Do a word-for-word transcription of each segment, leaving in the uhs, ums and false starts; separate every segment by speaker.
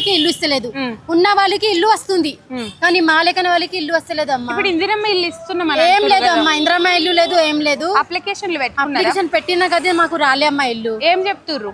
Speaker 1: వాళ్ళకి ఇల్లు ఇస్తలేదు, ఉన్న వాళ్ళకి ఇల్లు వస్తుంది కానీ మా లెక్కన వాళ్ళకి ఇల్లు వస్తలేదు అమ్మా.
Speaker 2: ఇప్పుడు ఇందిరమ్మ ఇల్లు ఇస్తున్నాం
Speaker 1: ఏం లేదు అమ్మా, ఇంద్రమ్మ ఇల్లు లేదు, ఏం లేదు.
Speaker 2: అప్లికేషన్లు
Speaker 1: అప్లికేషన్ పెట్టినా కదా మాకు రాలే అమ్మా ఇల్లు.
Speaker 2: ఏం చెప్తుర్రు?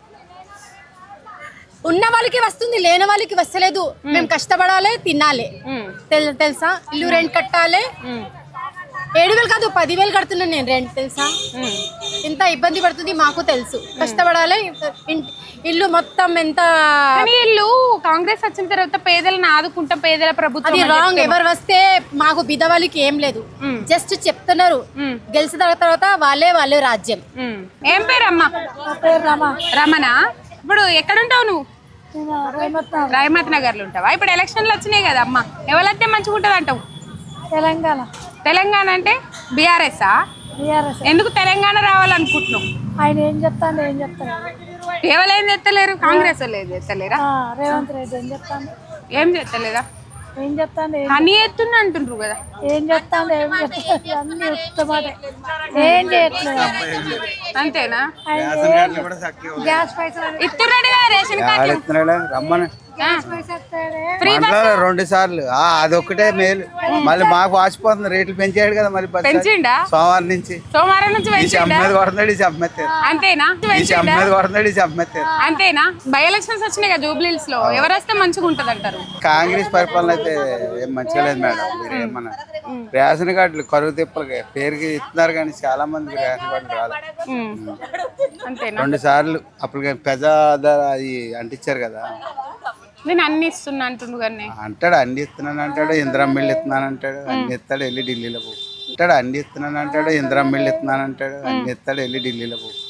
Speaker 1: ఉన్న వాళ్ళకి వస్తుంది, లేని వాళ్ళకి వస్తలేదు. మేము కష్టపడాలి, తినాలి, తెలుసా? ఇల్లు రెంట్ కట్టాలి. ఏడు వేలు కాదు పదివేలు కడుతున్నాను నేను రెంట్, తెలుసా? ఎంత ఇబ్బంది పడుతుంది మాకు తెలుసు. కష్టపడాలి, ఇల్లు మొత్తం ఎంత.
Speaker 2: ఇల్లు కాంగ్రెస్ వచ్చిన తర్వాత పేదలను ఆదుకుంటాం, పేదల ప్రభుత్వం.
Speaker 1: అది రాంగ్. ఎవరు వస్తే మాకు బిద వాళ్ళకి ఏం లేదు, జస్ట్ చెప్తున్నారు. గెలిచిన తర్వాత వాళ్ళే వాళ్ళే రాజ్యం.
Speaker 2: ఏం పేరు అమ్మా? రమణ. ఇప్పుడు ఎక్కడుంటావు నువ్వు? రైమత్ నగర్ లో ఉంటావా? ఇప్పుడు ఎలక్షన్లు వచ్చినాయి కదా అమ్మా, ఎవరైతే మంచిగా ఉంటుంది అంటావు?
Speaker 3: తెలంగాణ.
Speaker 2: తెలంగాణ అంటే బీఆర్ఎస్. ఎందుకు తెలంగాణ రావాలనుకుంటున్నావు?
Speaker 3: ఆయన ఏం చెప్తాను ఏం చెప్తాను
Speaker 2: ఎవరు ఏం చెప్తలేరు? కాంగ్రెస్ వాళ్ళు ఏం చెప్తలేరా?
Speaker 3: రేవంత్ రెడ్డి ఏం చెప్తాను
Speaker 2: ఏం చెప్తలేదా?
Speaker 3: ఏం చెప్తాను
Speaker 2: హనీ ఎత్తున్నా అంటుండ్రు కదా.
Speaker 3: ఏం చెప్తాను ఏం చెప్తాను అన్ని ఉత్తమాట ఏం చేయట్లేదు.
Speaker 2: అంతేనా?
Speaker 3: గ్యాస్ పైసలు
Speaker 2: ఇస్తున్నాడు కదా రేషన్ కార్డు.
Speaker 4: రమ్మని
Speaker 2: ఫ్రీ
Speaker 4: రెండు సార్లు అదొక్కటే మేలు. మళ్ళీ మాకు వాసిపోతుంది, రేట్లు పెంచాడు కదా మరి
Speaker 2: పెంచిండా?
Speaker 4: సోమవారం నుంచి
Speaker 2: సోమవారం నుంచి
Speaker 4: అమ్మేది కొడుతున్నాడు, ఈ చెప్పమెత్తారు.
Speaker 2: అంతేనా?
Speaker 4: అమ్మేది కొడుతున్నాడు, ఈ చెప్పమెత్తారు.
Speaker 2: అంతేనా? బై ఎలక్షన్స్ వచ్చినాయి కదా జూబ్లీహిల్స్ లో, ఎవరు వస్తే మంచిగా ఉంటది అంటారు?
Speaker 4: కాంగ్రెస్ పరిపాలన అయితే ఏం మంచిగా లేదు మేడం. మీరు ఏమన్నా రేషన్ కార్డులు కరువు తిప్పలు పేరుకి ఇస్తున్నారు కానీ చాలా మంది రేషన్ కార్డులు రాలేదు.
Speaker 2: అంతేనా?
Speaker 4: రెండు సార్లు అప్పుడు పెద్ద ధర అది అంటించారు కదా.
Speaker 2: నేను అన్ని ఇస్తున్నా అంటుండు కానీ
Speaker 4: అంటాడు, అన్ని ఇస్తున్నాను అంటాడు, ఇందిరమ్మ ఇల్లు ఇస్తున్నాను అంటాడు, అన్ని ఇస్తాడు, వెళ్ళి ఢిల్లీలో పో అంటాడు. అన్ని ఇస్తున్నాను అంటాడు, ఇందిరమ్మ ఇల్లు ఇస్తున్నాను అంటాడు, అన్ని ఇస్తాడు, వెళ్ళి ఢిల్లీలో పో.